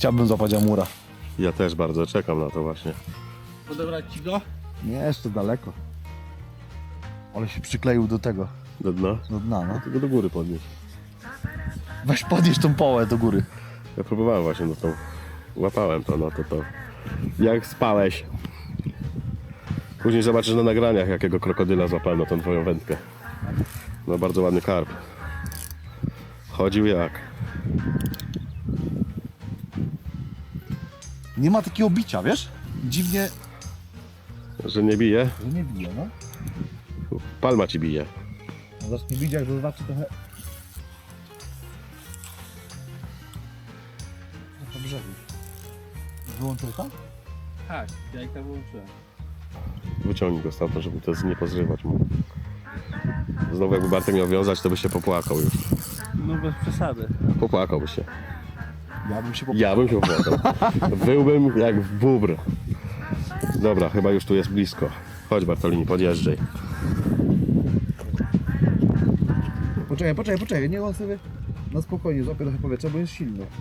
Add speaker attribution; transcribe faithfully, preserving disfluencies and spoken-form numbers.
Speaker 1: chciałbym złapać amura.
Speaker 2: Ja też bardzo czekam na to właśnie.
Speaker 3: Odebrać ci go?
Speaker 1: Nie, jeszcze daleko. Ale się przykleił do tego,
Speaker 2: Do dna?
Speaker 1: do dna, no.
Speaker 2: Tylko do góry podnieść.
Speaker 1: Weź podnieś tą połę do góry.
Speaker 2: Ja próbowałem właśnie, no to łapałem to, no to to. Jak spałeś? Później zobaczysz na nagraniach, jakiego krokodyla złapałem na tą twoją wędkę. No bardzo ładny karp. Chodził jak.
Speaker 1: Nie ma takiego bicia, wiesz? Dziwnie,
Speaker 2: Że nie bije?
Speaker 1: że nie bije, no.
Speaker 2: Palma ci bije.
Speaker 1: No zacznie bić, jak zobaczy trochę... Po brzegu. Wyłączyłeś tam?
Speaker 3: Tak, jajka wyłączyłem.
Speaker 2: Wyciągnij go stamtąd, żeby to nie pozrywać mu. Znowu jakby Bartek miał wiązać, to by się popłakał już.
Speaker 3: No bez przesady.
Speaker 2: Popłakałby się.
Speaker 1: Ja bym się po...
Speaker 2: Ja bym się popłakał. Byłbym jak bóbr. Dobra, chyba już tu jest blisko. Chodź Bartolini, podjeżdżaj.
Speaker 1: Poczekaj, poczekaj, poczekaj, niech on sobie na spokojnie złapie trochę powietrza, bo jest silny.